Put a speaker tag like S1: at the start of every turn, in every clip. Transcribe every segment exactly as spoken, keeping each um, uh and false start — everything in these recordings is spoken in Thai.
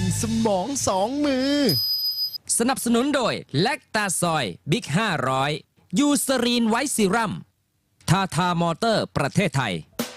S1: สมองสองมือ
S2: สนับสนุนโดยแลคตาซอยบิ๊กห้าร้อยยูสรีนไวท์ซีรัมทาทามอเตอร์ประเทศไทย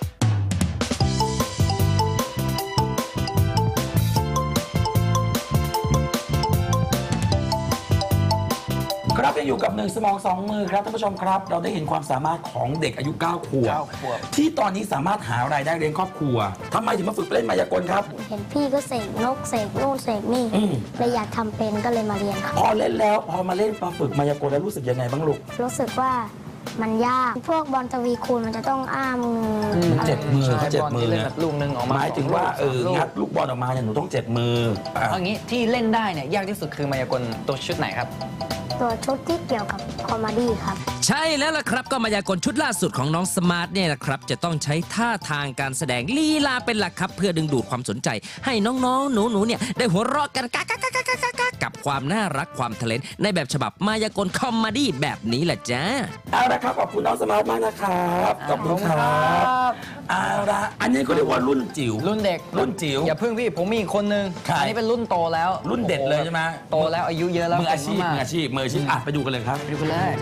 S3: ครับยังอยู่กับหนึ่งสมองสองมือครับท่านผู้ชมครับเราได้เห็นความสามารถของเด็กอายุเก้าขวบที่ตอนนี้สามารถหารายได้เลี้ยงครอบครัวทำไมถึงมาฝึกเล่นมายากลครับ
S4: เห็นพี่ก็เสกนกเสกนู่นเสกนี่เลยอยากทำเป็นก็เลยมาเรียนครับ
S3: พอเล่นแล้วพอมาเล่นมาฝึกมายากลแล้วรู้สึกยังไงบ้างลูก
S4: รู้สึกว่ามันยากพวกบอลทวีคูณมันจะต้องอ้ามือ
S3: เจ็บมือเขาเจ็บมือ
S5: เล่นแบบลูกนึงออกมา
S3: หมายถึงว่าเอองัดลูกบอลออกมาเนี่ยหนูต้องเจ็บมือ
S5: เอางี้ที่เล่นได้เนี่ยยากที่สุดคือมายากลตัวชุดไหนครับ
S4: ตัวชุดที่เกี่ยวกับคอมเมดี้ครับ
S2: ใช่แล้วล่ะครับก็มายากลชุดล่าสุดของน้องสมาร์ทเนี่ยนะครับจะต้องใช้ท่าทางการแสดงลีลาเป็นหลักครับเพื่อดึงดูดความสนใจให้น้องๆหนูๆเนี่ยได้หัวเราะกันกะกะกะกะกะกะกับความน่ารักความทะเลนในแบบฉบับมายากลคอมเมดี้แบบนี้แหละจ้า
S3: เอาละครับขอบคุณน้องสมาร์ทมากนะครับขอบคุณครับเอาละอันนี้ก็เรียกว่ารุ่นจิ๋ว
S5: รุ่นเด็ก
S3: รุ่นจิ๋ว
S5: อย่าเพิ่งพี่ผมมีอีกคนนึงอันนี้เป็นรุ่นโตแล้ว
S3: รุ่นเด็ดเลยใช่ไหม
S5: โตแล้วอายุเยอะแล้ว
S3: มืออาชีพมืออาชีพมืออาชีพอ่ะไปดูกันเลยครับ
S5: ไปดูกันเลย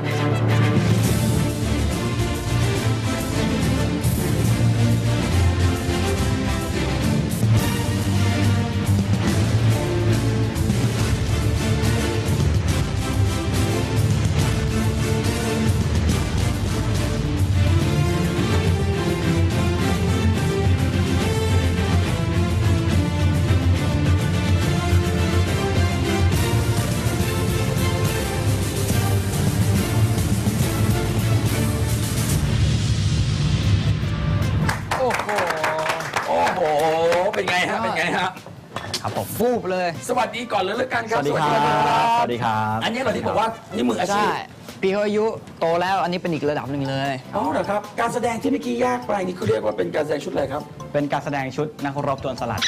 S3: เป็นไงฮะเป็นไงฮะ
S5: ครับผมฟูบเลย
S3: สวัสดีก่อนเลยแล้วกันครับ
S6: สวัสดีครับสวัสดีครับ
S3: อันนี้เราที่บอกว่านี่มืออาชีพ
S5: พี่เขาอายุโตแล้วอันนี้เป็นอีกระดับหนึ่งเลย
S3: อ๋อเหรอครับการแสดงที่เมื่อกี้ยากไปนี่เขาเรียกว่าเป็นการแสดงชุดอะไรครับ
S6: เป็นการแสดงชุดนักรบโจรสลัด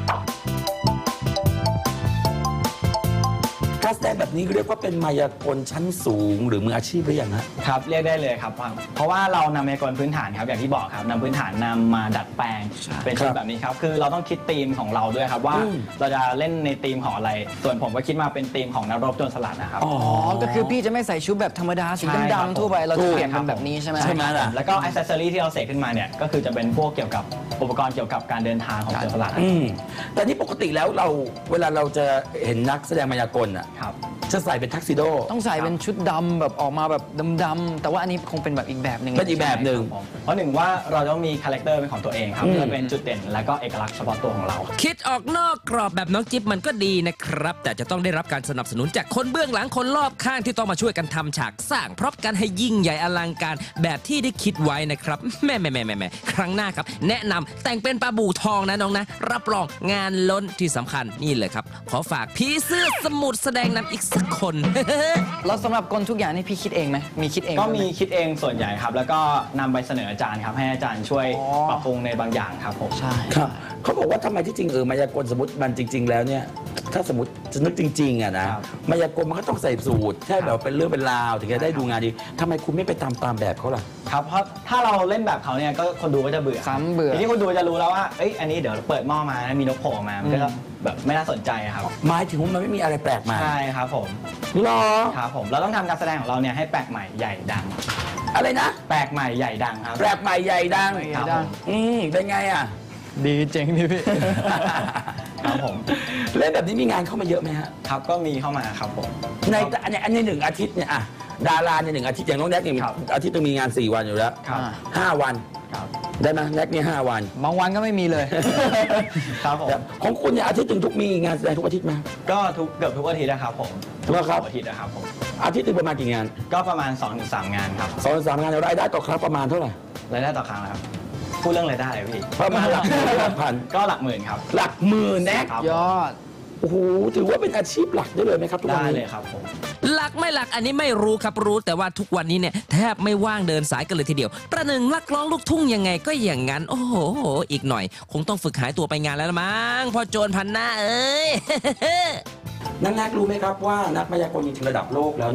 S3: การแสดงแบบนี้เรียกว่าเป็นมายากลชั้นสูงหรือมืออาชีพหรือยังฮะ
S6: ครับเรียกได้เลยครับเพราะว่าเรานำมายากลพื้นฐานครับอย่างที่บอกครับนำพื้นฐานนำมาดัดแปลงเป็นชุดแบบนี้ครับคือเราต้องคิดธีมของเราด้วยครับว่าเราจะเล่นในธีมของอะไรส่วนผมก็คิดมาเป็นธีมของนักรบโจรสลัดนะครับ
S5: อ๋อก็คือพี่จะไม่ใส่ชุดแบบธรรมดาสีดำๆทั่วไปเราจะเปลี่ยนเป็นแบบนี้ใช่ไหม
S6: ใช่ไหมล่ะแล้วก็อิสเซอรี่ที่เราเสกขึ้นมาเนี่ยก็คือจะเป็นพวกเกี่ยวกับอุปกรณ์เกี่ยวกับการเดินทางของโจรสลัด
S3: แต่นี่ปกติแล้วเราเวลาเราจะเห็นนักแสดงมายากลอ่ะจะใส่เป็นทักซิโด
S5: ต้องใส่เป็นชุดดำแบบออกมาแบบดำๆแต่ว่าอันนี้คงเป็นแบบอีกแบบหนึ่ง
S3: เป็นอีกแบบหนึ่ง
S6: เพราะหนึ่งว่าเราต้องมีคาแรคเตอร์เป็นของตัวเองครับเพื่อเป็นจุดเด่นและก็เอกลักษณ์เฉพาะตัวของเรา
S2: คิดออกนอกกรอบแบบน้องจิ๊บมันก็ดีนะครับแต่จะต้องได้รับการสนับสนุนจากคนเบื้องหลังคนรอบข้างที่ต้องมาช่วยกันทำฉากสร้างพร็อพกันให้ยิ่งใหญ่อลังการแบบที่ได้คิดไว้นะครับแม่แม่แม่แม่ครั้งหน้าครับแนะนำแต่งเป็นปลาบู่ทองนะน้องนะรับรองงานล้นที่สำคัญนี่เลยครับขอฝากพี่เสื้อสมุทรแสดงนำอีกสักคน
S5: แล้วสำหรับกลทุกอย่างนี่พี่คิดเองไหมมีคิดเอง
S6: ก็มีคิดเองส่วนใหญ่ครับแล้วก็นำไปเสนออาจารย์ครับให้อาจารย์ช่วยปรับปรุงในบางอย่างครับผม
S5: ใช่
S3: ครับเขาบอกว่าทำไมที่จริงเออมายากลสมมติมันจริงๆแล้วเนี่ยถ้าสมมติจะนึกจริงๆอ่ะนะมายากลมันก็ต้องใส่สูทแค่แบบเป็นเรื่องเป็นราวถึงจะได้ดูงานดีทำไมคุณไม่ไปตามตามแบบเขาล่ะ
S6: ครับเพราะถ้าเราเล่นแบบเขาเนี่ยก็คนดูก็จะเบื่อ
S5: ซ้ำเบื่อ
S6: ทีนี้คนดูจะรู้แล้วว่าเอ้ยอันนี้เดี๋ยวเปิดหม้อมามีนกโผล่มามันก็แบบไม่น่าสนใจครับ
S3: หมายถึงว่ามันไม่มีอะไรแปลกใหม่
S6: ใช่ครับผม
S3: หรอ
S6: ครับผมเราต้องทำการแสดงของเราเนี่ยให้แปลกใหม่ใหญ่ดัง
S3: อะไรนะ
S6: แปลกใหม่ใหญ่ดังครับ
S3: แปลกใหม่ใหญ่ดังอืมเป็นไงอ่ะ
S5: ดีเจ๋งดิพี่
S6: ครับผม
S3: เล่นแบบนี้มีงานเข้ามาเยอะไหมฮะ
S6: ครับก็มีเข้ามาครับผม
S3: ในอันนี้อันนี้หนึ่งอาทิตย์เนี่ยอะดาราเนี่ยหนึ่งอาทิตย์อย่างน้องแน็กเนี่ยอาทิตย์ต้องมีงานสี่วันอยู่แล้วห้าวันได้ไหมแน็กเนี่ยห้าวัน
S5: บางวันก็ไม่มีเลย
S6: ครับผม
S3: ของคุณเนี่ยอาทิตย์ถึงทุกมีงานแสดงทุกอาทิตย์ไหม
S6: ก็ทุกเกือบทุกอาทิตย์นะครับผม
S3: ทุก
S6: อาทิตย์นะครับผม
S3: อาทิตย์นึงประมาณกี่งาน
S6: ก็ประมาณ สองถึงสาม งานครับ
S3: สองถึงสามงานรายได้ต่อครั้งประมาณเท่าไหร่
S6: รายได้ต่อครั้งนะครับพูดเรื่องรายได้เลยพี่
S3: ประมาณหลักหลักพัน
S6: ก็หลักหมื่นครับ
S3: หลักหมื่นแน็ก
S5: ยอด
S3: โอ้โหถือว่าเป็นอาชีพหลักได้เลยไหมครับทุกวัน
S6: นี้ได้เลยครับผม
S2: หลักไม่หลักอันนี้ไม่รู้ครับรู้แต่ว่าทุกวันนี้เนี่ยแทบไม่ว่างเดินสายกันเลยทีเดียวประหนึ่งนักร้องลูกทุ่งยังไงก็อย่างนั้นโอ้โหอีกหน่อยคงต้องฝึกหายตัวไปงานแล้วมั้งพอโจรพันหน้าเอ้ย
S3: นักนักรู้ไหมครับว่านักมายากลจริงๆระดับโลกแล้วเนี่ย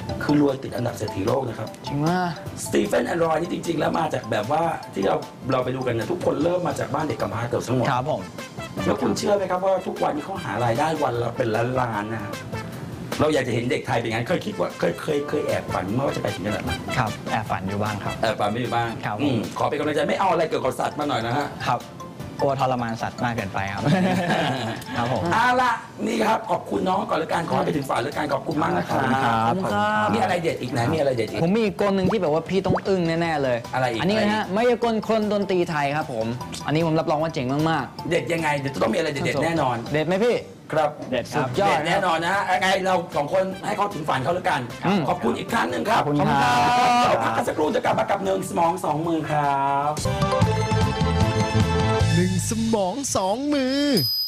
S3: คือรวยติดอันดับเศรษฐีโลกนะครับ
S5: จริงว่า
S3: สตีเฟนแอนดรอยนี่จริง ๆ แล้วมาจากแบบว่าที่เราเราไปดูกันเนี่ยทุกคนเริ่มมาจากบ้านเด็กกำพร้าเกือบทั้งหมด
S6: ครับผม
S3: แล้วคุณเชื่อไหมครับว่าทุกวันนี้เขาหารายได้วันละเป็นล้านๆนะครับเราอยากจะเห็นเด็กไทยเป็นงั้นเคยคิดว่าเคยเคยเคยแอบฝันเมื่อว่าจะไปถึงขนาดนั้น
S6: ครับแอบฝันอยู่บ้างครับ
S3: แอบฝันไม่อยู่บ้าง
S6: ครับ
S3: อืมขอเป็นกำลังใจไม่เอาอะไรเกี่ยวกับสัตว์มาหน่อยนะฮะ
S6: ครับกลัวทรมานสัตว์มากเกินไปครับ ครับผม
S3: เอาละนี่ครับขอบคุณน้องก่อนละกันขอให้ไปถึงฝันละกันขอบคุณมากนะค
S6: ขอบคุณค
S3: รั
S6: รั
S3: บบ
S5: ขอบคุณครับ
S3: มีอะไรเด็ดอีกไหนมีอะไรเด็ดอีก
S5: ผมมีอีกกลหนึ่งที่แบบว่าพี่ต้องอึ้งแน่ๆเลย
S3: อะไรอีก
S5: อันนี้
S3: อะไรอีก
S5: นะฮะมายากลคนดนตรีไทยครับผม อันนี้ผมรับรองว่าเจ๋งมาก
S3: เด็ดยังไงเดี๋ยวจะต้องมีอะไร
S5: ๆ
S3: เด็ดๆแน่นอน
S5: เด็ดไหมพี่
S3: ครับ
S6: เด็ดครับ
S5: ยอด
S3: เด็ดแน่นอนนะฮะยังไงเราสองคนให้เขาถึงฝันเขาละกัน
S5: อืม
S3: ขอบคุณอีกครั้งหนึ่งครับ
S6: ขอบคุณครับ
S3: เราพักกันสักครู่จะกลับมากับหนึ่งสมองสองมือครับ
S1: หนึ่งสมองสองมือ